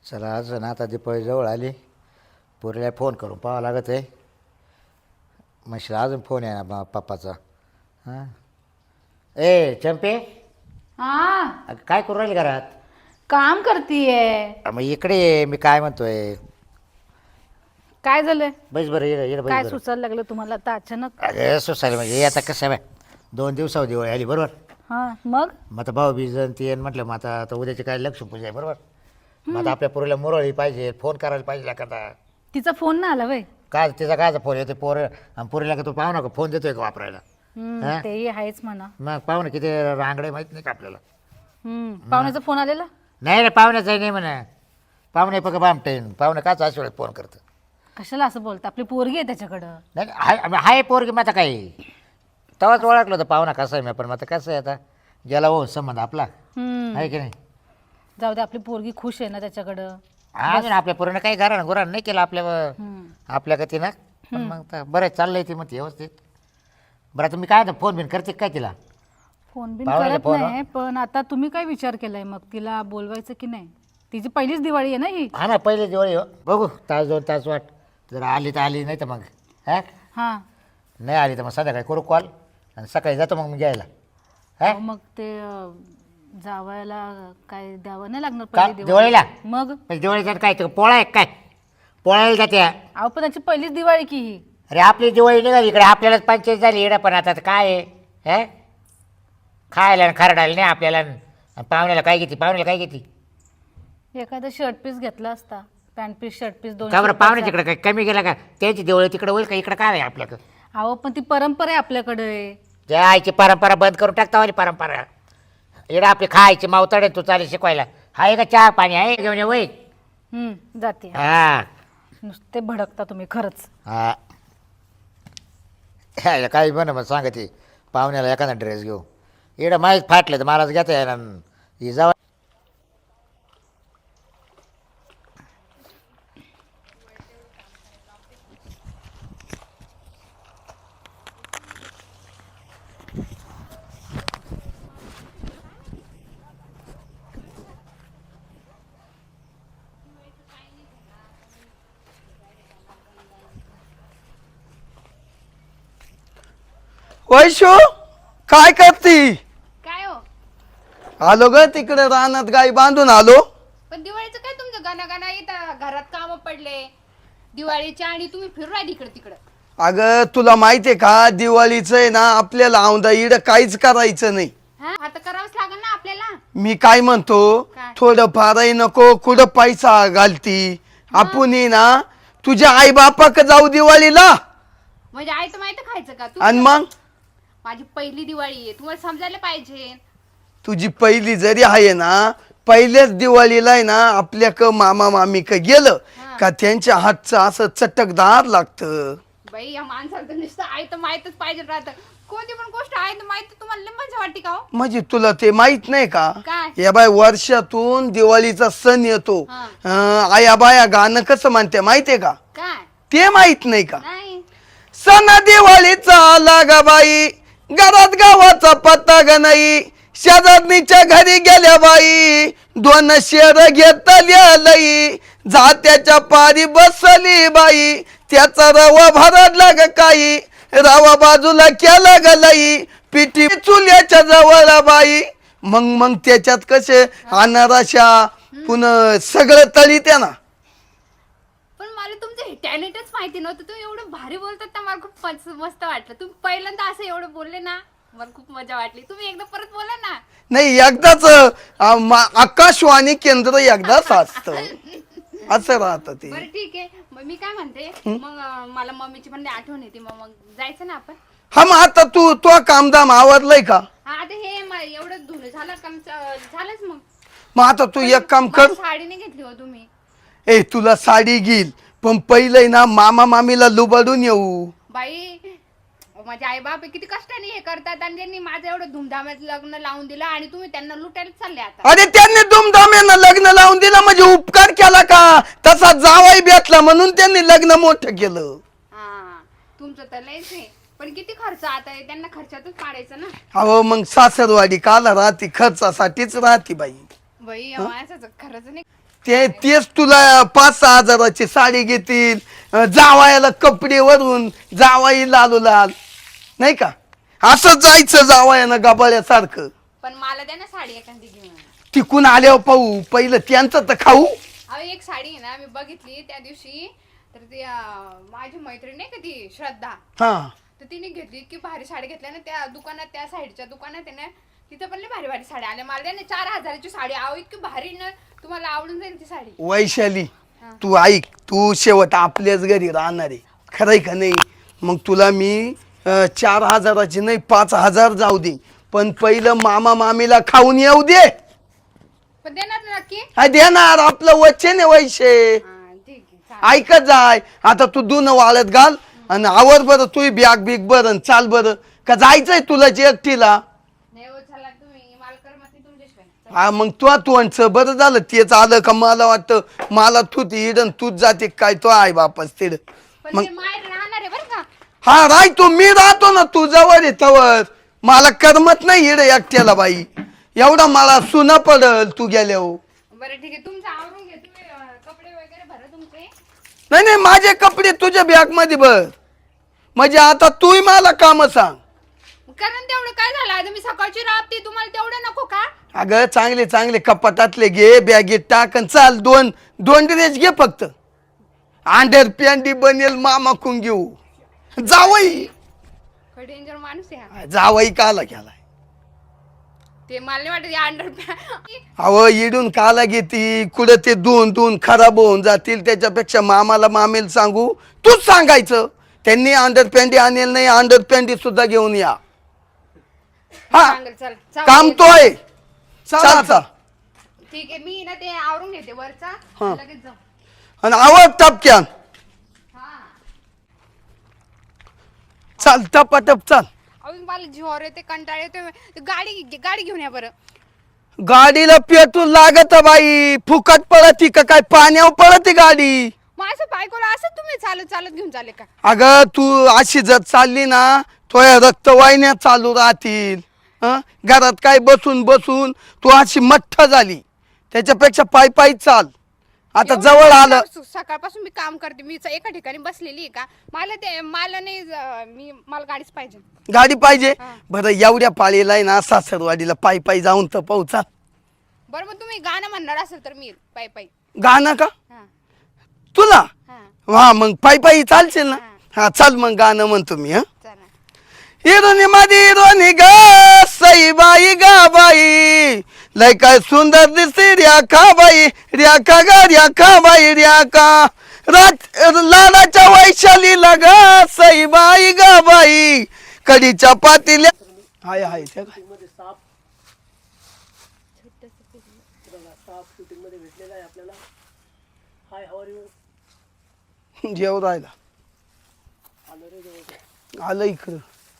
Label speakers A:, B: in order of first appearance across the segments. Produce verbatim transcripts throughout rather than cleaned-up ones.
A: चला आज ना आता दिपाळी जवळ आली. पोरीला फोन करून पाहावं लागत आहे. म्हशीला अजून फोन आहे ना पप्पाचा. हां ए चंपे,
B: हा
A: अगं काय करू राहिली घरात?
B: काम करतीये.
A: मग इकडे ये, मी काय म्हणतोय.
B: काय झालंय?
A: बस बरं ये ये
B: काय
A: बस बरं.
B: सुचायला लागलं तुम्हाला आता अचानक?
A: अरे सुसायला म्हणजे हे आता कसं आहे बाय, दोन दिवसावर दिवाळी आली बरोबर.
B: हा मग
A: मग आता भाऊ बीज ती येईन म्हटलं. मग आता आता उद्याची काय लक्ष्मीपूजा आहे बरोबर. मग आता आपल्या पोरीला मुरळी पाहिजे, फोन करायला पाहिजे एखादा.
B: तिचा फोन ना आला वय?
A: काय तिचा कायचा फोन येतो पोर आणि पोरीला का तू पाहू नका फोन देतोय का वापरायला. हा?
B: तेही आहेच म्हणा.
A: मग पाहू ना किती रांगडे माहीत नाही का आपल्याला.
B: हम्म पाहुण्याचा फोन आलेला?
A: नाही रे पाहुण्याचाही नाही म्हणा. पाहुणे बघा बामटेन पाहुणे काच अशा वेळेस फोन करतं.
B: कशाला असं बोलता? आपली पोरगी आहे त्याच्याकडं.
A: नाही हाय हाय पोरगी मग आता काही तेव्हाच ओळखलं होतं पाहुणा कसं आहे. मी पण मग आता कसं आहे आता गेला हो संबंध आपला
B: हम्म
A: आहे की नाही.
B: जाऊ दे, आपली पोरगी खुश आहे ना त्याच्याकडं.
A: हा ना आपल्या पोरीनं काही घरानं गुरानं नाही केलं आपल्या
B: हम्म
A: आपल्या का तिनं. पण मग तर बरं चाललंय ती मग ती व्यवस्थित. बरं आता मी काय फोन बिन करते काय तिला?
B: फोन बिन
A: पाहुण्याला
B: करत
A: फोन
B: नाही, पण आता तुम्ही काय विचार केलाय मग तिला बोलवायचं की नाही? तिची पहिलीच दिवाळी आहे ना ही.
A: हा ना पहिले दिवाळी हो. बघू तास दोन तास वाट. जर आली तर आली, नाही तर मग हा
B: हा
A: नाही आली तर मग संध्याकाळी करू कॉल आणि सकाळी जातो मग मी घ्यायला. हा
B: अहो, मग ते अं, जावयाला काय द्यावं नाही लागणार
A: का
B: पहिली
A: दिवाळीला?
B: मग
A: म्हणजे दिवाळीचा काय तो पोळा आहे काय? पोळायला जाते.
B: अहो पण त्याची पहिलीच दिवाळी की ही.
A: अरे आपली दिवाळी निघाली इकडे आपल्यालाच पंचायत झाली इकडे. पण आता काय आहे हे खायला आणि खरडायला नाही आपल्याला. आणि पाहुण्याला काय घेते? पाहुण्याला काय घेते?
B: एखादा शर्ट पीस घेतला असता, पॅन्ट पीस शर्ट पीस दोन.
A: का बरं पाहुणे तिकडे काय कमी गेला का? त्यांची दिवाळी तिकडे होईल का? इकडे काय आहे आपल्याकडं?
B: अहो पण ती परंपरा आहे आपल्याकडे.
A: त्या आईची परंपरा बंद करून टाकता वाली परंपरा. इकडे आपली खायची मावतडे तू चालेल शिकवायला. आहे का चहा पाणी आहे घेऊन ये वय.
B: हम्म जाते.
A: हा
B: नुसते भडकता तुम्ही खरंच.
A: हा ह्याला काही बन मग सांगते पाहुण्याला एखादा ड्रेस घेऊ. इकडं माहीत फाटलं तर मलाच घेता येणार ही जावा.
C: वैशू काय करती?
D: काय हो?
C: आलो ग तिकडे रानात गाई बांधून आलो.
D: पण दिवाळीचं काय तुमचं गाणं गाणं येतं? घरात काम पडले दिवाळीच्या आणि तुम्ही फिरू राहिले इकडे तिकडं.
C: अगं तुला माहितीये का दिवाळीचं आहे ना आपल्याला औंधा इड काहीच करायचं नाही.
D: हा आता करावंच लागेल ना आपल्याला.
C: मी काय म्हणतो
D: काय?
C: थोडं फारही नको कुठं पैसा घालती. आपण ना तुझ्या आई बापाक जाऊ दिवाळीला.
D: म्हणजे आई तर माहिती खायचं का तू?
C: आणि मग
D: माझी पहिली दिवाळी आहे, तुम्हाला समजायला पाहिजे.
C: तुझी पहिली जरी आहे ना पहिल्याच दिवाळीला आहे ना आपल्या क मामा मामी क गेलं
D: हा.
C: का त्यांच्या हातचं असं चटकदार लागतं.
D: बाई या माणसाला तर नुसतं आई तर माहितच पाहिजे राहतं. कोणती पण गोष्ट आहे तर माहिती तुम्हाला लय मजा वाटते का हो?
C: म्हणजे तुला ते माहित नाही का?
D: काय?
C: या बाय वर्षातून दिवाळीचा सण येतो.
D: हा.
C: अं, आया बाया गाणं कसं म्हणते माहितीये का?
D: काय?
C: ते माहित नाही का?
D: नाही.
C: सण दिवाळीचा आला ग बाई घरात गावाचा पत्ता ग नाही. शेजारणीच्या घरी गेल्या बाई दोन शेर घेतल्या लई. जात्याच्या पारी बसली बाई त्याचा रवा भरडला ग काही. रवा बाजूला केला ग लई पिठी चुल्याच्या जवळ बाई. मग मग त्याच्यात कसे अनारशा पुन्हा सगळं तळी त्या ना.
D: पण मला तुमचं हे टॅलेंटच माहिती नव्हतं. तुम्ही एवढं भारी बोलतात ना, मला खूप मस्त मस्त वाटलं. तुम्ही पहिल्यांदा असं एवढं बोलले ना, मला खूप मजा वाटली. तुम्ही एकदा परत बोला ना.
C: नाही एकदाच अं, मा- आकाशवाणी केंद्र एकदाच असतं असं राहतं ते.
D: बरं ठीक आहे. मग मी काय म्हणते, मग अं, मला मम्मीची पण लई आठवण येते. मग मग जायचं ना आपण.
C: हा मग आता तू तो कामदाम आवरलंय का?
D: हा आता हे म- एवढं धुणं झालं का आमचं- झालंच मग.
C: मग आता तू एक काम कर.
D: मला साडी नाही घेतली हो तुम्ही.
C: ए तुला साडी घेईल पण पहिलंय ना मामा मामीला लुबाडून येऊ.
D: बाई माझे आई बाप किती कष्टाने हे करतात आणि त्यांनी माझं एवढं धुमधामात लग्न लावून दिलं आणि तुम्ही त्यांना लुटायला चालले आता.
C: अरे त्यांनी दुमधाम्यानं लग्न लावून दिलं म्हणजे उपकार केला का? तसा जावाई भेटला म्हणून त्यांनी लग्न मोठं केलं.
D: हा तुमचं तर लयच आहे. पण किती खर्च आता आहे, त्यांना खर्चातच पाडायचं ना.
C: अहो मग सासरवाडी काला राहते खर्चासाठीच राहते बाई.
D: बाई या माणसाचं खरंच नाही.
C: ते तेच तुला पाच सहा हजाराची साडी घेतील, अं, जावायला कपडे वरून जावाई लालू लाल, नाही का? असं जायचं जावायानं गबाळ्यासारखं.
D: पण मला द्या ना साडी एखादी घेऊन.
C: तिकून आल्यावर पाहू, पहिलं त्यांचं तर खाऊ.
D: अहो एक साडी आहे ना मी बघितली त्या दिवशी, तर ती अं, माझी मैत्रीण नाही का ती श्रद्धा,
C: हा
D: तर तिने घेतली की भारी साडी घेतल्या ना त्या दुकानात, त्या साईडच्या दुकानात आहे ना, तिथं पण लय भारी भारी साड्या आल्या. मला द्या ना चार हजाराची साडी. अहो इतकी भारी ना, तुम्हाला आवडून जाईल ती साडी.
C: वैशाली तू ऐक, तू शेवट आपल्याच घरी राहणार आहे, खरंय का नाही? मग तुला मी अं, चार हजाराची नाही पाच हजार जाऊ दे, पण पहिलं मामा मामीला खाऊन येऊ दे.
D: पण देणार ना नक्की?
C: हा देणार, आपलं वचन आहे वैशे.
D: हा, ठीक आहे चालेल.
C: ऐकत जाय. आता तू दून वाळत घाल आणि आवर बरं, तू बॅग बिग बरं चाल बरं. का जायचंय तुला जे एकटीला?
D: नाही हो चला तुम्ही, मला करमत नाही तुमच्याशिवाय.
C: हा मग तू तू बरं झालं तेच आलं का? मला वाटतं मला तू इडन तूच जाते काय, तो आहे बापस तिड.
D: पण
C: मग
D: ते माहेर राहणार आहे बरं का.
C: हा राय तू, मी राहतो ना तू जवळ आहे तवर. मला करमत नाही इड एकट्याला बाई, एवढा मला सुना पडल तू गेल्यावर.
D: बरं ठीक आहे, तुमचं आवरून घे तुम्ही, अं, कपडे वगैरे भरा तुमचे.
C: नाही नाही, माझे कपडे तुझ्या बॅग मध्ये भर, म्हणजे आता तूही मला काम सांग.
D: कारण तेवढं काय झालं, आता मी सकाळची राबते, तुम्हाला तेवढं नको का?
C: अगं चांगले चांगले कपाटातले घे, बॅगेत टाक आणि चाल. दोन दोन ड्रेस घे फक्त, अंडर पॅन्टी बनेल मामाकून घेऊ. जावई
D: डेंजर माणूस आहे हा.
C: जावई काला केलाय?
D: ते मला नाही वाटत अंडर.
C: अव इडून काला घेती कुठं, ते दोन दोन खराब होऊन जातील. त्याच्यापेक्षा मामाला मामेल सांगू, तूच सांगायचं त्यांनी अंडर पॅन्टी आणेल नाही, अंडर पॅन्टी सुद्धा घेऊन या. हा
D: चल चल.
C: काम तो आहे. चाल चाल.
D: ठीक आहे, मी ना ते आवरून घेते वरचा,
C: हा.
D: लगेच जाऊ.
C: आणि आवड टपक्यान
D: हा.
C: चाल, टपाटप चाल.
D: अजून मला जीवावर येते, कंटाळ येते. गाडी गाडी घेऊन या बरं.
C: गाडीला पेट्रोल लागत बाई, फुकट पळती का काय, पाण्यावर पळती गाडी.
D: मग असं बायकोला असं तुम्ही चालत चालत घेऊन चाले का?
C: अगं तू अशी जर चालली ना, तुझ्या रक्तवाहिन्या चालू राहतील. हं? घरात काय बसून बसून तू अशी मठ्ठ झाली, त्याच्यापेक्षा पायी पायी चाल. आता
D: एवढं
C: जवळ आलं.
D: स- सकाळपासून मी काम करते, मी च- एका ठिकाणी बसलेली आहे का? मला ते मला नाही ज- मी मला गाडीच पाहिजे.
C: गाडी पाहिजे?
D: हा.
C: बरं एवढ्या पाळीला आहे ना सासरवाडीला पायी पायी जाऊन तर पाहू. चाल.
D: बरं मग तुम्ही गाणं म्हणणार असेल तर मी येईल पायी पायी.
C: गाणं का
D: हा
C: तुला?
D: हा
C: हा मग पायी पायी चालशील ना? हा चाल मग गाणं म्हणतो मी. हा
D: चला.
C: हिरोनी मध्ये हिरोनी ग सई बाई गा बाई, लय काय सुंदर दिसते रेखा बाई, रेखा ग रेखा बाई रेखा. राज लालाच्या वैशालीला ग सई बाई गा बाई, कडीच्या पातील्या. हाय हाय त्या काय जेव राहिला आलं इकडं,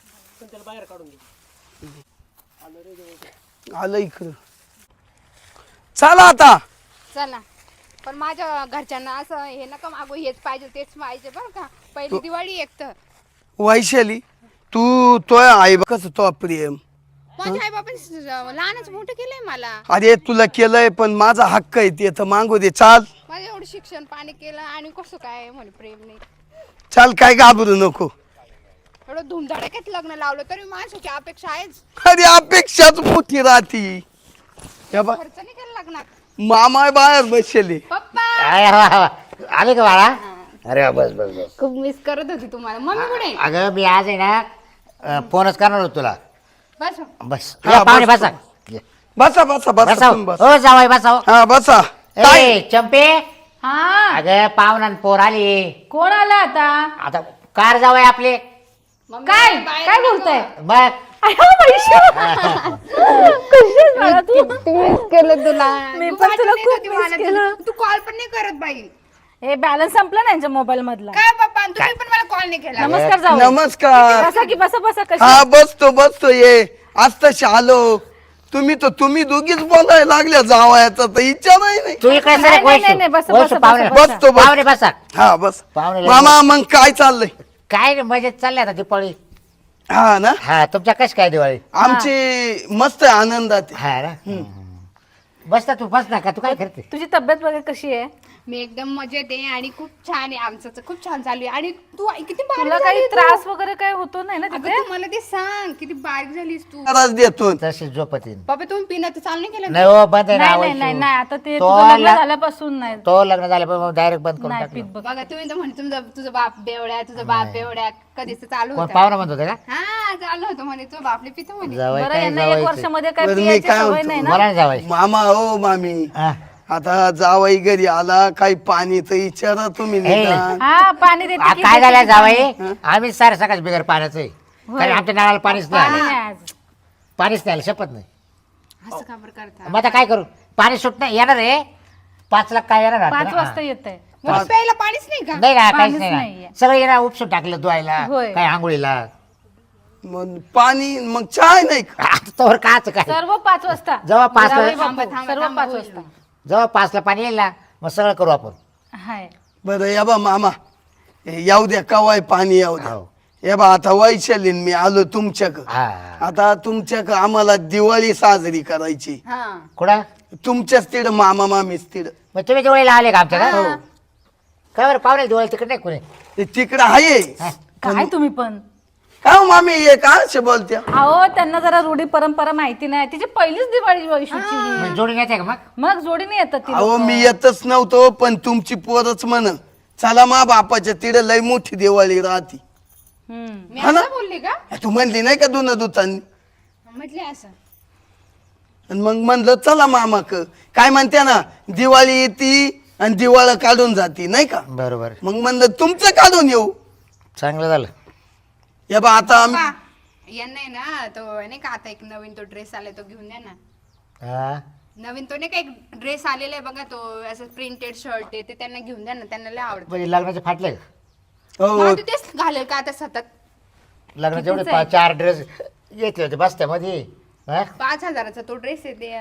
C: आलं इकडं. चला आता.
D: चला. पण माझ्या घरच्यांना असं हे नका मागू, हेच पाहिजे तेच पाहिजे बरं का. पहिली दिवाळी एक तर.
C: वैशाली तू तो आई कसं तो प्रेम.
D: माझ्या आई बाबांनी लहानच मोठं केलंय मला.
C: अरे तुला केलंय पण माझा हक्क आहे ते तर मागू दे. चाल
D: माझं एवढं शिक्षण पाणी केलं आणि कसं काय म्हणे प्रेम नाही.
C: चाल, काय घाबरू नको.
D: एवढं धुमधडाक्यात लग्न लावलं तरी माणसाची अपेक्षा आहेच.
C: अरे अपेक्षाच मोठी राहती. हे बघ,
D: खर्च नाही केला लग्नात.
C: मामा बाहेर बसले.
D: पप्पा
A: आय वा वा. आले का बाळा? अरे वा, बस बस बस.
D: खूप मिस करत होती तुम्हाला. मम्मी कुठे?
A: अगं मी आज आहे ना अं, फोनच करणार होतो तुला.
D: बस
A: बस
C: हा,
A: या, पाहुणे
C: बस.
A: बसा.
C: बसा बसा बसा
A: बसा
C: तुम्ही बस.
A: हो जावाई बसा हो.
C: हा बसा. काय
A: ए चंपे,
B: हा
A: अगं पाहुणा न पोर आली.
B: कोण आला आता?
A: आता कार जावाय आपले.
D: मम्मी,
B: काय
D: बाहेर
B: काय
D: नको.
B: बोलताय?
A: बघ
B: अयो, वैशू. कशी आहेस बाळा तू?
D: मिस केलं तुला.
B: मी
D: तू
B: पण
D: वाटत
B: तुला
D: नाही का
B: खूप
D: ती
B: मिस
D: मला
B: केलं.
D: तुला- तू कॉल पण नाही करत बाई.
B: हे बॅलन्स संपला ना यांच्या मोबाईल मधला.
D: काय पप्पा तुम्ही पण मला कॉल नाही केला.
B: नमस्कार जाऊ.
C: नमस्कार.
B: बसा की बसा बसा. कशी
C: हा बसतो बसतो ये. आज तशी आलो. तुम्ही तर तुम्ही दोघीच बोलायला लागल्या जावायचा तर इच्छा नाही नाही.
A: तू इकडे
B: नाही,
A: सर
B: नाही, नाही, नाही, बसा, बसा,
A: पाहुणे
B: बसा,
C: बसतो बस.
A: पाहुणे बसा.
C: हा बस.
A: पाहुणे
C: मामा मग काय चाललंय?
A: काय रे मजेत चालले आता दिपाळी.
C: हा ना,
A: हा तुमच्या कशी काय दिवाळी?
C: आमची मस्त आहे, आनंदात आहे.
A: हा ना बस ना तू बस ना का तू काय करते
B: तुझी तब्येत वगैरे कशी आहे?
D: मी एकदम मजेत आहे आणि खूप छान आहे आमचं तर खूप छान चालू आहे. आणि तू किती बारीक
B: तुला
D: झाली
B: काही
D: तू.
B: त्रास वगैरे काय होतो नाही ना
D: अगं,
B: तिथे?
D: तू मला ते सांग किती बारीक झालीस तू.
C: त्रास देतो
A: तशी झोपतीन
D: बाबा तुम्ही पिणं तर चालू नाही केलं ना?
A: नाही हो बंद आहे ना
B: नाही नाही
A: वैशू.
B: नाही नाही, आता ते
A: तो
B: तुझं लग्न
A: ला-
B: झाल्यापासून नाही
A: तो लग्न झालं पण डायरेक्ट बंद करून
B: नाही
A: टाकलं
B: पीत बघ.
D: बघा तुम्ही तर म्हणे तुमचा तुझा बाप बेवड्या तुझा बाप बेवड्या कधीच चालू
A: कोण
D: होता.
A: पाहुणा म्हणत होते का
D: हा चालू होतं म्हणे तुझा बापले पितो म्हणे.
A: जावई
B: बरं
A: काय
B: यांना एक
A: जावायचं
B: वर्षामध्ये काय
C: बरं, मी
B: पियाची
C: काय
B: सवय
C: म्हणतो?
B: नाही ना.
A: मला नाही जावाय
C: मामा हो मामी
A: हा.
C: आता जावाई घरी आला काही पाणी तर विचारा तुम्ही
A: हे.
C: निदान.
B: हा पाणी देते
A: आ,
B: की
A: काय
B: देते
A: झालं
B: की
A: जावाई आम्ही सारे सकाळ बिगर पाण्याचं आहे कारण आमच्या नळाला पाणीच नाही
B: पाणी
A: आलं.
B: नाही आज.
A: पाणीच नाही आलं शपथ नाही
D: असं का बरं करता?
A: मग आता काय करू पाणी सुट नाही येणार आहे पाच लाख काय येणार वाटतं
B: पाच
A: ना?
B: वाजता येत आहे.
D: मग प्यायला पाणीच नाही का?
A: नाही का काहीच
B: पाणीच
A: नाही ना.
B: नाहीये.
A: सगळं येणार उपसून टाकलं धुवायला
B: होय.
A: काय आंघोळीला
C: मग पाणी मग चाय नाही का?
A: आता तोवर काच काय
B: सर्व पाच वाजता
A: जेव्हा पाच
B: जावई
A: वाजता-
B: बापू,
D: थांबा, थांबा,
B: सर्व
D: थांबा,
B: पाच
D: होईल,
B: वाजता
A: जेव्हा पाचला पाणी येईल ना मग सगळं करू आपण
B: हाय.
C: बरं या बा मामा हे येऊ द्या कवाय पाणी येऊ द्या
A: हो.
C: या बा आता वैशालीन मी आलो तुमच्याक
A: हा
C: आता तुमच्याक आम्हाला दिवाळी साजरी करायची
D: हा.
A: कुठं
C: तुमच्याच तिड मामा मामीच तिड
A: मग तुम्ही दिवाळीला आले का आमच्या का काय बरं पाहुणे दिवाळी तिकडे नाही कोणी
C: ते तिकडं आहे
A: हा.
B: काय तुम्ही पण
C: का हो मामी हे का असे बोलत्या
B: अहो त्यांना जरा रूढी परंपरा माहिती नाही तिची पहिलीच दिवाळी वैशूची
A: मग जोडून येते का मग
B: मग जोडीने येतात ती
C: अहो
B: लोकं.
C: मी येतच नव्हतो पण तुमची पोरच म्हण चला मा बापाच्या तिड लय मोठी दिवाळी राहती
B: हम्म.
D: मी
C: हा ना?
D: असं बोलले का?
C: तू म्हणली नाही का दोन दुतांनी
D: म्हटले असं.
C: आणि मग म्हणलं चला मामाक काय म्हणते ना दिवाळी येते आणि दिवाळं काढून जाती नाही का
A: बरोबर
C: मग म्हणलं तुमचं काढून येऊ
A: चांगलं झालं
C: या बा आता आम्ही
D: पा, यांना आहे ना तो नाही का आता एक नवीन तो ड्रेस आलाय तो घेऊन द्या ना.
A: हा
D: नवीन तो नाही का एक ड्रेस आलेला आहे बघा तो असं प्रिंटेड शर्ट आहे ते त्यांना घेऊन द्या ना त्यांना लय आवडतं.
A: म्हणजे लग्नाचे फाटले का
C: हो
D: मला तू तेच घालेल का आता सतत.
A: लग्नाचे एवढे
B: कितीचं आहे?
A: पा- चार ड्रेस घेतले होते बस्त्यामध्ये हा?
D: पाच हजाराचा तो ड्रेस आहे ते.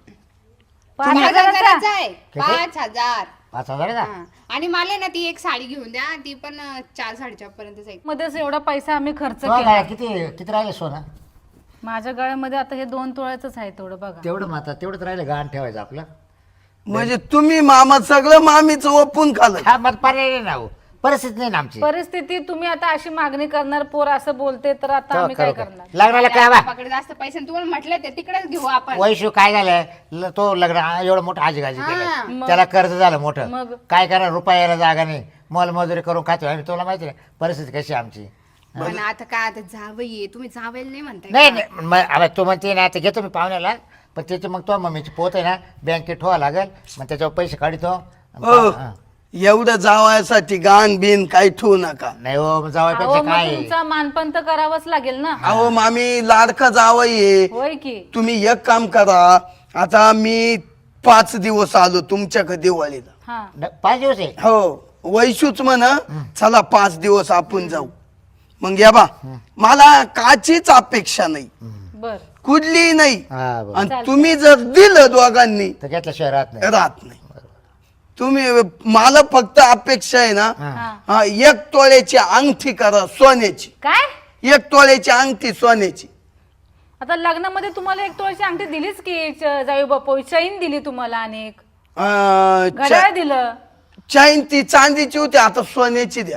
B: पाच
D: पाच
B: हजाराचा?
D: हजाराचा आहे.
A: किती?
D: पाच हजार.
A: पाच हजार आहे ना
D: हा. आणि मला ना ती एक साडी घेऊन द्या ती पण अं, चार साडेचार पर्यंत जाईल.
B: मध्येच एवढा पैसा आम्ही खर्च
A: तो
B: केला
A: काय, किती किती राहिले सोनं
B: माझ्या गळ्यामध्ये आता हे दोन तोळ्याच आहे तेवढं बघा
A: तेवढं माता तेवढंच राहिलं गाण ठेवायचं आपलं
C: म्हणजे तुम्ही मामा सगळं मामीच ओपून खाल्लं
A: हा मग पर्याय नाही ना हो. परिस्थिती नाही ना आमची
B: परिस्थिती तुम्ही आता अशी मागणी करणार पोर असं बोलते तर आता
A: तो
B: आम्ही काय
A: खरं
B: करणार
A: काय. लग्नाला काय बा
D: बापाकडे जास्त पैसे नाही. तुम्हाला म्हटलं ते तिकडेच घेऊ आपण.
A: वैशू काय झालं ल- तो लग्न आ- एवढं मोठं आजीगाजी केलं
B: मग?
A: त्याला कर्ज झालं मोठं
B: मग?
A: काय करा रुपयाला जागा नाही मोलमजुरी करून खातो आणि तुला माहिती आहे परिस्थिती कशी आहे आमची
D: पण आता काय आता जावई तुम्ही जावेल नाही म्हणताय
A: नाही
D: का?
A: नाही मग आता तू म्हणते ना आता घेतो मी पाहुण्याला पण त्याची मग तो मम्मीची पोत आहे ना बँकेत ठेवा लागेल मग त्याच्यावर पैसे काढतो आणि
C: हो
A: पा- हा.
C: एवढं जावायसाठी गाण बिन काही ठेवू नका
A: नाही हो
B: अहो
A: जावायपेक्षा
B: मग
A: काय आहे?
B: तुमचा मानपण तर करावंच लागेल ना
C: अहो मामी लाडका जावई आहे
B: होय की
C: तुम्ही एक काम करा आता मी पाच दिवस आलो तुमच्याकडे दिवाळीला
B: हा
A: न- पाच दिवस आहे
C: हो वैशूच म्हण चला पाच दिवस आपण जाऊ मग या बा मला काचीच अपेक्षा नाही
B: बर
C: कुठली नाही
A: हा बरं
C: आणि तुम्ही जर दिलं दोघांनी
A: तर घेतल्याशिवाय राहत नाही
C: राहत नाही तुम्ही मला फक्त अपेक्षा आहे ना
A: हा.
B: हा
C: हा एक तोळ्याची अंगठी करा सोन्याची
B: काय
C: एक तोळ्याची अंगठी सोन्याची
B: आता लग्नामध्ये तुम्हाला एक तोळ्याची अंगठी दिलीच की च- जाऊ बापू चैन दिली तुम्हाला अनेक
C: अं,
B: घड्याळ
C: चा-
B: दिलं
C: चैन ती चांदीची होती आता सोन्याची द्या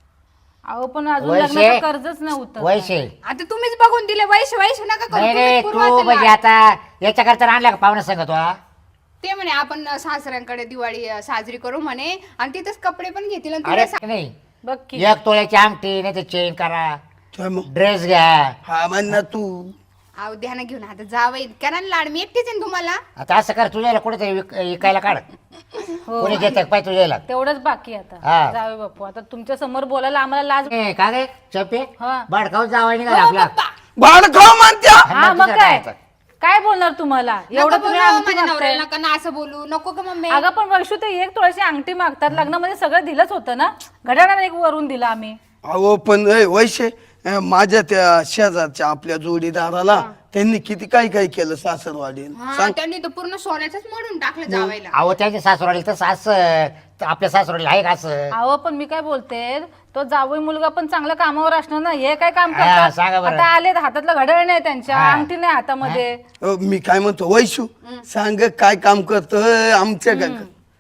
B: अहो पण अजून
A: वैशे.
B: लग्नाचं कर्जच नव्हतं
A: वैशे
D: आता तुम्हीच बघून दिले वैश वैश नका करू.
A: नाही
D: तुम्हीच
A: रे
D: पुरवा
A: तू
D: त्याला.
A: म्हणजे आता याच्याकरता आणला का पाहुणा सांगतो हा?
D: ते म्हणे आपण अं, सासऱ्यांकडे दिवाळी अं, साजरी करू म्हणे आणि तिथेच कपडे पण घेतील आणि
A: अरे
D: तुला सा-
A: नाही
B: बघ की
A: एक तोळ्याची अंगठी नाही तर चेन करा
C: तर मग
A: ड्रेस घ्या
C: हा म्हण ना तू
D: अहो द्या ना घेऊन आता जावई करा ना लाड मी एकटीच आहे ना तुम्हाला.
A: आता असं कर तुझ्याला कुठेतरी विक- विकायला काढ
B: हो
A: कोणी घेत पाय तुझ्याला
B: तेवढंच बाकी आता
A: हा.
B: जावे बापू आता तुमच्या समोर बोलायला आम्हाला लाज
A: ए, का गे चपे
B: हा.
A: बाडकाव जावाय निघाला
D: हो,
A: आपला
D: पप्पा.
C: भाड खाऊ म्हणत्या
B: हा
A: मग
B: मग
A: तुझं
B: काय
A: काय
B: काय बोलणार तुम्हाला
D: नका
B: एवढं
D: बोलू
B: तुम्ही अंगठी
D: माझ्या
B: मागताय.
D: नवऱ्याला नका ना असं बोलू नको का मम्मी.
B: अगं पण वैशू ते एक तोळ्याची अंगठी मागतात लग्नामध्ये सगळं दिलंच होतं ना घड्याळाला एक वरून दिला आम्ही
C: अहो पण ए, वैशे अं, माझ्या त्या शेजारच्या आपल्या जोडीदाराला त्यांनी किती काय काय केलं सासरवाडी
D: हा त्यांनी तर पूर्ण सोन्याचंच मोडून टाकलं जावायला.
A: अहो त्यांच्या सासरवाडी तर सास आपल्या सासरवाडीला आहे का असं
B: अहो पण मी काय बोलते तो जावई मुलगा पण चांगला कामावर असणार ना, हे काय काम
A: हा,
B: करतात?
A: सांगा बरं.
B: आता आले हातातलं घड्याळ नाही त्यांच्या,
A: हा.
B: अंगठी नाही हातामध्ये.
C: अ, मी काय म्हणतो वैशू सांग काय काम करतो आमच्या घरात?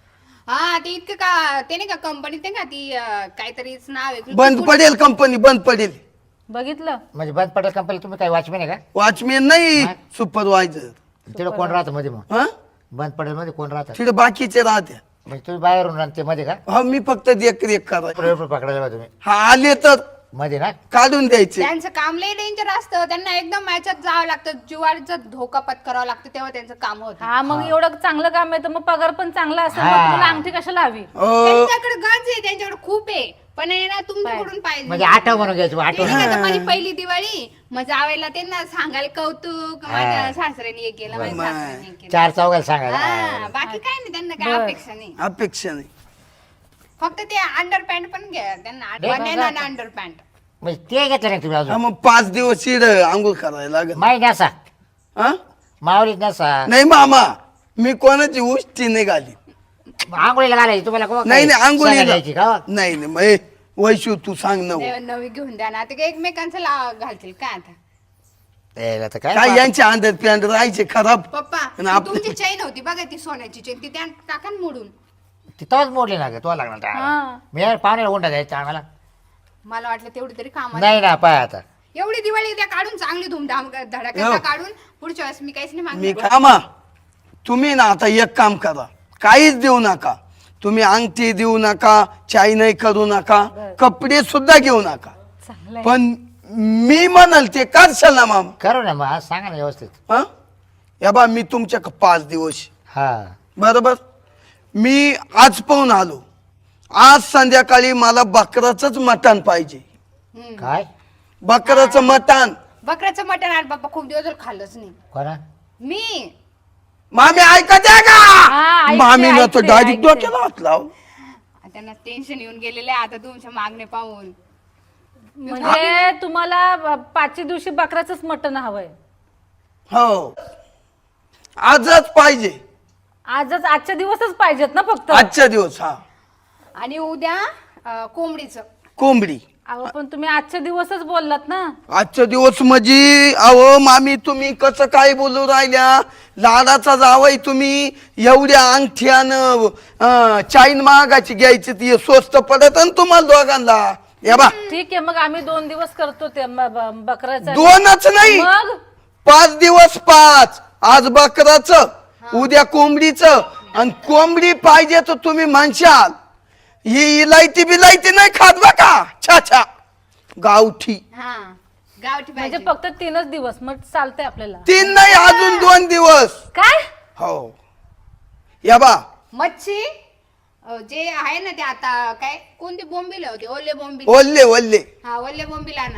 D: हा ते इतकं का ते नाही का कंपनीत नाही का ती अं, काहीतरीच नाव आहे
C: बंद पडेल कंपनी, बंद पडेल.
B: बघितलं?
A: म्हणजे बंद पडेल कंपनी. तुम्ही काय वॉचमॅन आहे का?
C: वॉचमॅन नाही, सुपरवायझर.
A: तिकडे कोण राहतं मध्ये मग?
C: हा
A: बंद पडेल मध्ये कोण राहतं?
C: तिथे बाकीचे राहते.
A: म्हणजे तुम्ही बाहेरून राहते मध्ये का?
C: हा मी फक्त देखरेख करायचं.
A: पेपर पकडायला बा तुम्ही
C: हा आले तर
A: मध्ये ना?
C: काढून द्यायचे.
D: त्यांचं काम लय डेंजर असतं, त्यांना एकदम मॅचात जावं लागतं, जीवाचा धोका पत्करावा लागतं, तेव्हा त्यांचं काम होतं.
B: हा मग एवढं चांगलं काम आहे तर मग पगार पण चांगला असेल, मग
A: हा.
B: तुम्हाला अंगठी कशाला हवी?
C: अ,
D: त्यांच्याकडे गरज आहे, त्यांच्याकडे खूप आहे, पण आहे ना तुमच्याकडून पाहिजे.
A: म्हणजे आठव म्हणून घ्यायचं
D: ते
A: आठव.
D: नाही का, आता माझी पहिली दिवाळी मग जावेला त्यांना सांगायला कौतुक, माझ्या सासऱ्याने हे केलं, माझ्या सासऱ्याने हे केलं.
A: चार चौघाला सांगायला.
D: हा, बाकी काय नाही, त्यांना काय
B: बरं.
D: अपेक्षा नाही.
C: अपेक्षा नाही.
D: फक्त ते अंडर पॅन्ट पण घ्या त्यांना,
A: हे
D: बन्यान अंडर पॅन्ट.
A: म्हणजे ते घेतलं नाही तुम्ही
C: हा
A: अजून?
C: मग पाच दिवस इड आंघोळ करायला लागेल.
A: माही नसा,
C: हा
A: मावलीत नसा,
C: नाही मामा, मी कोणाची उष्टी नाही घाली.
A: आंघोळीला घालायची तुम्हाला कोण
C: नाही नाही
A: सांगायला
C: आंघोळीला
A: द्यायची का?
C: नाही नाही मग ए, वैशू तू सांग ना.
D: नवी घेऊन द्या ना, ते काय एकमेकांचं ला घालतील काय आता.
A: यायला तर काय
C: काय यांचे अंडर पॅन्ट राहायचे खराब.
D: पप्पा
C: आणि आप-
D: तुमची चैन होती बघा, ती सोन्याची चैन, ती त्या टाका ना मोडून.
A: ती तवाच मोडली ना ग, तो लागणार त्या
B: हा.
A: मी यार पाहुण्याला उंडा द्यायचा आम्हाला.
D: मला वाटलं तेवढी तरी काम
A: नाही ना पाय आता
D: एवढी दिवाळी द्या काढून, चांगली धूमधाम धडाक्याचा
C: हो.
D: काढून, पुढच्या वेळेस मी काहीच नाही
C: मी
D: मागणार.
C: कामा तुम्ही ना आता एक काम करा, काहीच देऊ नका तुम्ही. अंगठी देऊ नका, चाय नाही करू नका, कपडे सुद्धा घेऊ नका.
B: चांगलं आहे.
C: पण मी म्हणाल ते करशाल ना मामा?
A: करू ना मग, आज सांगा ना व्यवस्थित.
C: हा या बा मी तुमच्या पाच दिवस
A: हा
C: बरोबर. मी आज पाहून आलो, आज संध्याकाळी मला बकराचंच मटण पाहिजे.
D: हम्म.
A: काय
C: बकराचं मटण.
D: बकऱ्याचं मटण आज बाप्पा खूप दिवस झाले खाल्लंच नाही
A: कोणा?
D: मी.
C: मामी ऐकत आहे
B: हा,
C: का?
B: ऐकते,
C: मामीला तर
B: ऐकते,
C: डायरेक्ट
B: ऐकते.
C: डोक्याला हात लाव.
D: त्यांना टेन्शन येऊन गेलेले आहे आता तुमच्या मागणे पाहून.
B: म्हणजे तुम्हाला ब- पाचच्या दिवशी बकऱ्याचंच मटण हवंय?
C: हो आजच पाहिजे,
B: आजच, आजच्या दिवसच पाहिजेत ना फक्त?
C: आजच्या दिवस. हा
D: आणि उद्या अं, कोंबडीचं.
C: कोंबडी.
B: अहो पण तुम्ही आजच्या दिवसच बोललात ना.
C: आजच्या दिवस म्हणजे अहो मामी तुम्ही कसं काय बोलू राहिल्या? लाडाचा जावई तुम्ही, एवढ्या अंगठ्यानं अं, चाईन महागाची घ्यायची, ती स्वस्त पडत ना तुम्हाला दोघांना. या बा
B: ठीक आहे, मग आम्ही दोन दिवस करतो ते म- ब- बकऱ्याचं.
C: दोनच नाही,
B: मग
C: पाच दिवस पाच. आज बकराचं, उद्या कोंबडीचं, आणि कोंबडी पाहिजे तर तुम्ही म्हणशाल ही इलायती बिलायती नाही खात बघा. छा छा गावठी.
D: हा गावठी
B: म्हणजे
D: पाहिजे.
B: फक्त तीनच दिवस, मग चालतंय आपल्याला.
C: तीन नाही अजून दोन दिवस.
B: काय?
C: हो या बा
D: मच्छी अं, जे आहे ना ते आता काय कोणते बोंबील होते, ओले बोंबील.
C: ओल्ले ओल्ले.
D: हा ओले बोंबील आणा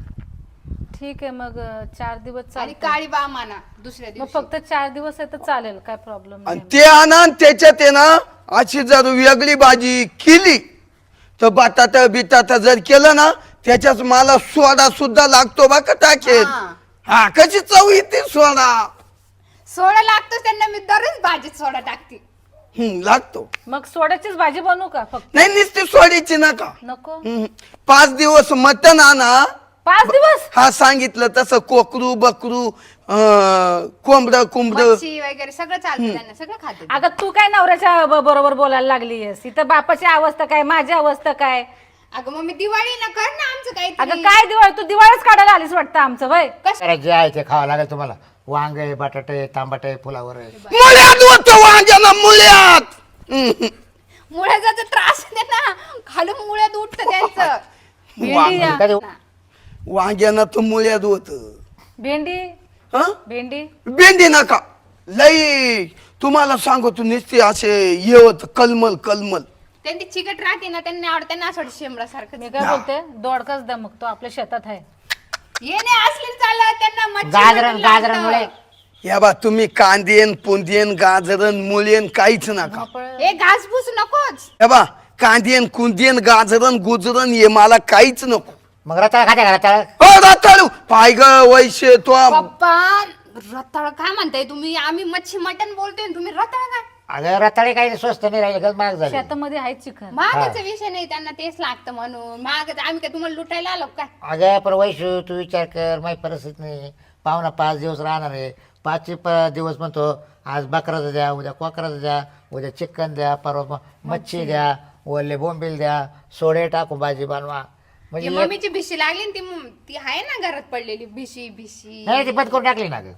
B: ठीक आहे, मग अं, चार दिवस
D: आणि
B: चालतंय.
D: काळी बाम आणा दुसऱ्या
B: मग
D: दिवशी.
B: फक्त चार दिवस आहे तर चालेल, काय प्रॉब्लेम
C: आणि
B: नाही.
C: ते आणा आणि त्याच्यात आहे ना अशी जर वेगळी भाजी केली तर बटाटा बिटाटा जर केलं ना त्याच्यात मला सोडा सुद्धा लागतो बा का टाकेल.
D: हा.
C: हा कशी चव येते सोडा.
D: सोडा लागतोच त्यांना, मी दररोज भाजीत सोडा टाकते.
C: हम्म लागतो.
B: मग सोड्याचीच भाजी बनवू का फक्त?
C: नाही नुसती सोडायची नका.
B: नको.
C: हम्म. पाच दिवस मटण आणा.
B: पाच दिवस?
C: हा सांगितलं तसं कोकरू बकरू कोंबड कुंबड.
D: मच्छी वगैरे सगळं चालतं त्यांना, सगळं खाते.
B: अगं तू काय नवऱ्याच्या ब- बरोबर बोलायला लागलीयस? इथं बापाची अवस्था काय, माझी अवस्था काय?
D: अगं मग मी दिवाळी ना कर ना आमचं
B: अगं
D: काहीतरी.
B: काय दिवाळ, तू दिवाळच काढायला आलीस वाटतं आमचं वय.
D: कस
A: अरे जे आहे ते खावं लागेल तुम्हाला. वांगे बटाटे तांबटे फुलावर आहे.
C: मुळ्यात होतं वांग्याला मुळ्यात. हम्म.
D: मुळ्याचा त्रास आहे ना, खालून मुळ्यात उठतं त्यांचं.
B: भेंडी द्या.
A: कधी
C: वांग्यानं तर मुळ्यात होत.
B: भेंडी,
C: हा
B: भेंडी.
C: भेंडी नका लई. तुम्हाला सांगतो नुसते असे हे होत कलमल कलमल.
D: त्यांची चिकट राहते ना, त्यांना आवडत, त्यांना असं वाटतं शेंबडा सारखं.
B: मी काय बोलते, दोडकाच द्या मग, तो आपल्या शेतात आहे.
D: ये नाही असली चालत त्यांना मच्छी
A: गाजरन
D: मटण लागतं.
A: गाजरांमुळे
C: या बा तुम्ही कांदेन पुंदेन गाजरन मुळेन काहीच नका.
D: हे घासपूस नकोच.
C: या बा कांदेन कुंदेन गाजरन गुजरन हे मला काहीच नको.
A: मग रताळ खाते का रताळ?
C: हो रताळू पाय ग वैशे तो.
D: पप्पा रताळ काय म्हणताय तुम्ही? आम्ही मच्छी मटण बोलतोय आणि तुम्ही रताळ काय?
A: अगं रताळे काही स्वस्त नाही राहिले गज महाग झाले.
B: शेतामध्ये आहेत चिखल.
D: महागाचा विषय नाही, त्यांना तेच लागतं म्हणून महाग. आम्ही काय तुम्हाला लुटायला आलो काय?
A: अगं पण वैशू तू विचार कर, माझी परिस्थिती नाही. पाहुणा पाच दिवस राहणार आहे. पाचशे प दिवस म्हणतो आज बकराचं द्या, उद्या कोकराचं द्या, उद्या चिकन द्या, परवा म- मच्छी द्या, ओले बोंबील द्या, सोडे टाकू भाजी बनवा.
D: ती
A: म्हणजे एक-
D: मम्मीची भिशी लागली ना, ती मग- ती आहे ना घरात पडलेली भिशी भिशी.
A: नाही ती बंद करून टाकली ना गं.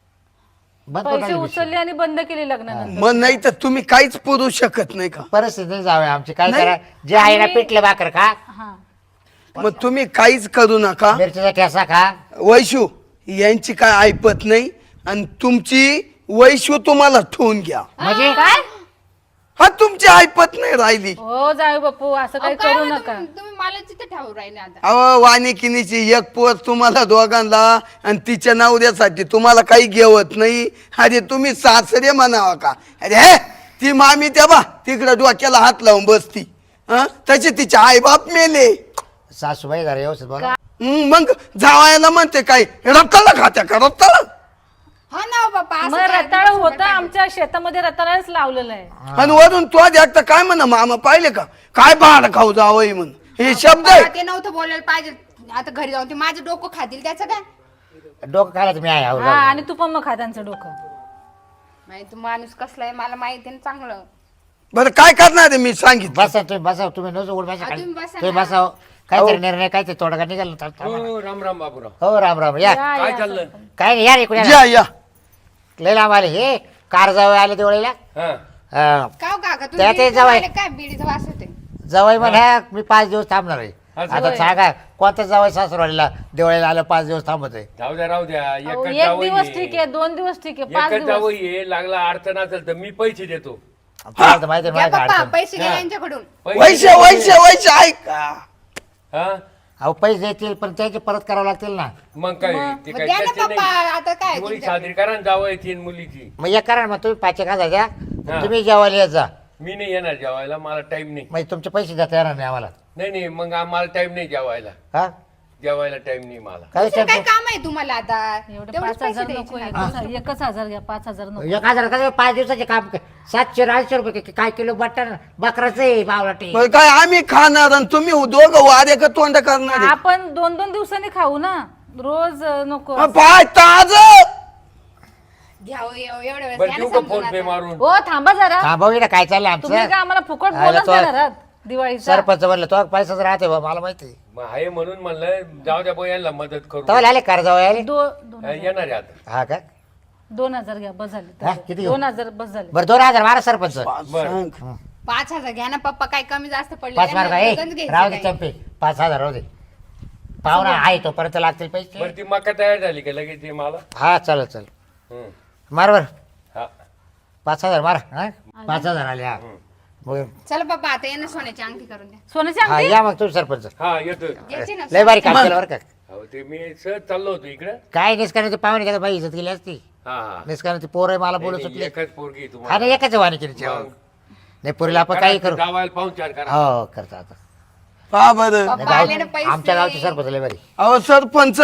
A: बंद करून
B: पैसे
A: टाकली.
B: उचलले आणि बंद केले लग्नानंतर.
C: मग नाही तर तुम्ही काहीच पुरू शकत नाही का?
A: परिस्थिती नाही जावे आमची, काय करा जे आहे ना पिठलं भाकर खा,
B: हा
C: मग तुम्ही काहीच करू नका.
A: मिरचीचा ठेसा खा.
C: वैशू यांची काय ऐपत नाही आणि तुमची वैशू तुम्हाला ठेवून घ्या.
A: म्हणजे
B: काय
C: हा तुमची ऐपत नाही राहिली.
B: हो जाऊ बापू असं काही
D: अहो, काय
B: करू
D: मग
B: नका.
D: तुम्ही तुम्ही मला तिथे ठेवू राहिले आता.
C: अहो वानिकिनीची एक पोर तुम्हाला दोघांना आणि तिच्या नवऱ्यासाठी तुम्हाला काही घेवत नाही. अरे तुम्ही सासरे म्हणावा का? अरे हे ती मामी त्या बा तिकडे डोक्याला हात लावून बसती. हं? तसे तिचे आई बाप मेले.
A: सासूबाई जरा व्यवस्थित बोला.
C: हं, मग जावायला म्हणते काय रक्ताला खात्या का रक्ताला?
D: हा ना बाप्पा, असं
B: मग
D: काय
B: रताळ
D: तुमच्या
B: होतं
D: सोबत
B: आमच्या शेतामध्ये रताळच लावलेलं आहे.
C: आणि वरून तो देखता काय म्हणा मामा पाहिले का काय भाड खाऊ जावं म्हणून हे शब्द आहे.
D: बाप्पा, ते नव्हतं बोलायला पाहिजे. आता घरी जाऊन ते माझं डोकं खातील त्याचं काय?
A: डोकं खायला मी आहे.
B: हा आणि तू पण मग खा त्यांचं डोकं.
D: माहिती तू माणूस कसला आहे मला माहिती आहे ना चांगलं.
C: बरं काय करणार आहे मी सांगितलं.
A: बसा तुम्ही बसा, तुम्ही नसो उठ बसा
D: हा,
A: खाली.
D: तुम्ही बसा
A: तुम्ही
D: ना.
A: बसा. काहीतरी निर्णय काहीतरी तोडगा निघाल ना.
E: हो राम राम बाबूराव.
A: हो राम राम या.
B: या,
E: काय
B: या,
E: चाललं?
A: काय नाही या रे कुठे
C: या या
A: लय लांब आले हे कार जावं आले दिवाळीला.
E: हा
A: हा.
D: का हो काका
A: त्या ते
D: तुम्ही
A: जावई.
D: काय बिडीचा वास होते?
A: जावई म्हणा मी पाच दिवस थांबणार आहे.
E: असं
A: आता
B: होय.
A: सांगा कोणत्या जावई सासरवाडीला दिवाळीला आलं पाच दिवस थांबत आहे.
E: जाऊ द्या राहू द्या.
B: अहो,
E: एकच
B: एक
E: जावई
B: दिवस
E: आहे.
B: ठीक आहे, दोन दिवस ठीक आहे, पाच
E: एकच
B: दिवस
E: जावई आहे. लागला अडचण असेल तर मी पैसे देतो.
A: तुम्हाला तर माहिती आहे
D: घ्या
A: माझ्या
D: पप्पा
A: अडचण.
D: पैसे घ्या
E: हा.
D: यांच्याकडून.
E: पैसे
C: वैश्य
E: देतो.
C: वैश्य वैश्य ऐका.
E: हा
A: अहो पैसे देतील पण त्याचे परत करावं लागतील ना.
E: मग काय ते
D: मग
E: काय
D: द्या ना
E: त्याचे
D: पप्पा,
E: नाही.
D: आता काय
E: मुली
D: तुमच्या-
E: साजरी करा ना जावई तीन मुलीची.
A: मग एक करा ना, मग तुम्ही पाच एक हजार द्या.
E: हा.
A: तुम्ही जेवायला येत जा.
E: मी नाही येणार जेवायला, मला टाइम नाही.
A: म्हणजे तुमचे पैसे देता येणार नाही आम्हाला.
E: नाही नाही मग आम्हाला टाइम नाही जेवायला.
A: हा
E: जेवायला टाइम नाही मला.
A: काय
D: दुसरं काय
A: विचारतो?
D: काम आहे तुम्हाला आता?
B: एवढे
D: तेवढेच
B: पाच
D: पैसे
B: हजार
D: द्यायचे
B: नको,
D: ना.
B: एकच एकच हजार घ्या, पाच हजार नको.
A: एक हजार कसं पाच दिवसाचे काम क- सातशे आठशे रुपये कि- काय किलो बटन बकराचं आहे बावलाटे.
C: बरं काय आम्ही खाणार आणि तुम्ही दोघं वारे का तोंड करणार आहे?
B: आपण दोन दोन दिवसांनी खाऊ ना, रोज अं, नको.
C: अ, पाय ताज
D: घ्या हो, एव- एवढ्या वेळेस
E: बरं
D: द्या
E: देऊ
D: ना
E: का
D: समजून
E: फोन पे
D: आता.
E: मारून?
B: हो थांबा जरा,
A: थांबवी ना काय चाललं
B: तुम्ही
A: आमचं.
B: काय आम्हाला फुकट
A: आयला
B: बोलत
A: तो-
B: देणार आहात दिवाळीचा?
A: सरपंच म्हणलं तो पैसाच राहते बा मला माहिती.
E: मग आहे म्हणून म्हणलं जाऊ द्या बाई यांना मदत करू.
A: तवा आले कर जाऊ आले.
B: दो- दोन
E: हा, येणार आहे आता.
A: हा का
B: दोन हजार घ्या, बस झाले.
A: हा, किती घेऊ?
B: दोन हजार बस झाले.
A: बरं दोन हजार मारा सरपंच.
E: बरं.
D: पाच हजार घ्या ना पप्पा, काय कमी जास्त पडले
A: पाच मार का ए
D: गंज घ्यायचं
A: राहू दे
D: काय?
A: चंपे पाच हजार राहू दे. पाहुणा आहे तोपर्यंत लागतील पैसे.
E: बरं ती मका तयार झाली का लगेच ते मला?
A: हा चल चल
E: हं.
A: मार बर
E: हा
A: पाच हजार मार हा पाच हजार आले हा बरं.
D: चला पप्पा आता ये ना सोन्याची अंगठी करून द्या.
B: सोन्याची
A: हा
B: अंगठी?
A: या मग तू सरपंच.
E: हा येतो.
D: घ्यायची ना
A: लय बारी काम केलं बरं का.
E: अहो ते मी सहज चाललो होतो इकडं.
A: काय निष्काराची पाहुणे घ्या बाई इज्जत केली असती.
E: हा हा
A: निष्काराची पोर आहे मला बोलू
E: नाही,
A: सुटली.
E: एकच पोरगी आहे
A: हा
E: तुम्हाला.
A: नाही एकच वाणी केली
E: मग.
A: नाही पुरीला आपण काही करू.
E: जावायला पाहून चार करा.
A: हो करता आता.
C: पहा बरं
A: नाही,
D: पप्पा आले ना
A: गाव-
D: पैसे.
A: आमच्या गावचे सरपंच लय बारी.
C: अहो सरपंच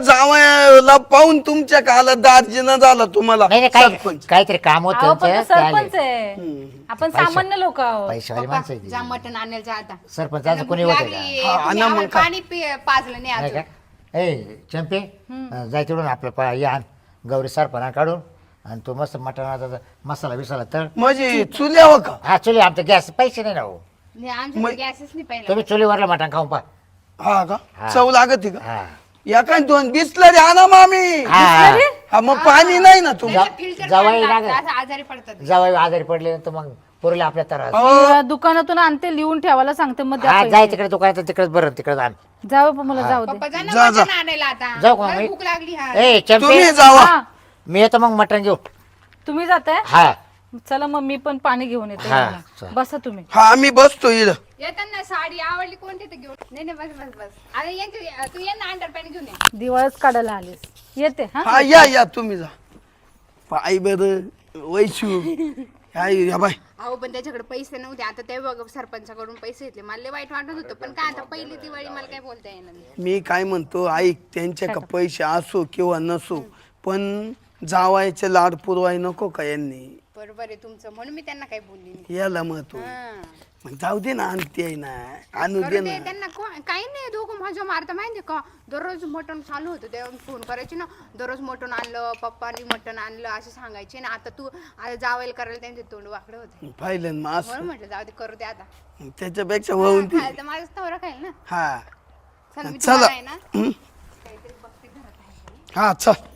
C: जावयाला पाहून तुमच्या काला दार्जिना झाला तुम्हाला
A: नाही नाही काय
C: सरपंच.
A: काहीतरी काम होतं
B: अहो, पण तो
A: त्यांचं, ते आले.
B: सरपंच आहे, आपण सामान्य लोक आहोत.
A: पैशावाली
D: पप्पा,
A: माणसं आहे ती.
D: जा मटण आणायला जा आता.
A: सरपंचाचं कोणी
D: भूक
A: होतं
D: लागली,
A: का?
C: हा,
D: तुम्ही
C: आणा
D: आम्हाला
C: मग काय.
D: पाणी पि- पाजलं नाही
A: नाही
D: अजून.
A: का ए चंपे जाय तिकडून आपलं पा या आण. गौरी सरपणा काढून आणि तो मस्त मटणाचा मसाला बिसाला तळ.
C: म्हणजे चुल्यावर का?
A: हा चुली आमचं गॅस पैसे नाही ना हो.
D: नाही, आमच्याकडे गॅसच नाही पहिला.
A: तुम्ही चुलीवरला मटण खाऊन पा.
C: हा का
A: हा.
C: चव लागत का?
A: हा
C: या काय दोन बिसलरी आणा मामी.
A: हा
C: हा मग पाणी नाही ना तुम्ही
D: त्याला filter
A: जावई
D: पाणी लागतं,
A: लागत.
D: असं आजारी पडतात.
A: जावई आजारी पडले तर मग पुरीला आपल्या त्रास.
B: मी दुकानातून आणते, लिहून ठेवायला सांगते, मग द्या
A: हा
B: पैसे.
A: जाय तिकडे दुकानात तिकडेच बरं तिकडे आण.
B: जाऊ पण मला जाऊ दे.
D: पप्पा जा ना
C: जा, जा.
D: मटण आणायला आता.
A: जाऊ का
D: मला
A: मी?
D: भूक लागली हा.
A: ए चंपे
C: तुम्ही जावा.
B: हा,
A: मी येतो मग मटण घेऊ.
B: तुम्ही जाताय?
A: हा
B: चला मग मी पण पाणी घेऊन येते.
A: हा,
B: यांना.
A: चल.
B: बसा तुम्ही.
C: हा आम्ही बसतो इकडं.
D: येताना साडी आवडली कोणती तर घेऊन. नाही नाही बस बस बस. अरे यांची तू ये ना अंडर पॅन्ट घेऊन ये.
B: दिवाळच काढायला आलीस, येते हा.
C: हा या या तुम्ही जा. पाय बर वैशू काय या बाय.
D: अहो पण त्याच्याकडे पैसे नव्हते, आता ते बघ सरपंचाकडून पैसे घेतले. मला लय वाईट वाटत होतं, पण काय आता पहिली दिवाळी मला काय बोलता येणार नाही.
C: मी काय म्हणतो ऐक त्यांच्याकडे पैसे असो किंवा नसो पण जावायचे लाड पुरवाय नको का यांनी.
D: बरोबर आहे तुमचं, म्हणून मी त्यांना काही बोलली नाही.
C: याला महत्व
D: हा.
C: मग जाऊ दे ना आणते आहे ना आणू दे
D: करू
C: ना
D: दे त्यांना, को- काही नाही, दोघं माझ्या मारता माहितीये का, दररोज मटण चालू होतं तेव्हा फोन करायची ना, दररोज मटण आणलं पप्पांनी, मटण आणलं असं सांगायचे ना. आता तू आता जावायला करायला त्यांचे तोंड वाकडे होते,
C: पाहिलं ना
D: म्हणून
C: असं
D: म्हटलं जाऊ दे, करू दे आता.
C: त्याच्यापेक्षा होऊन ती
D: हा, तर माझाच नवरा खाईल ना.
C: हा
D: चल मी
C: चला.
D: तुम्हाला आहे ना
C: हं?
D: काहीतरी बघते घरात आहे का.
C: हा चल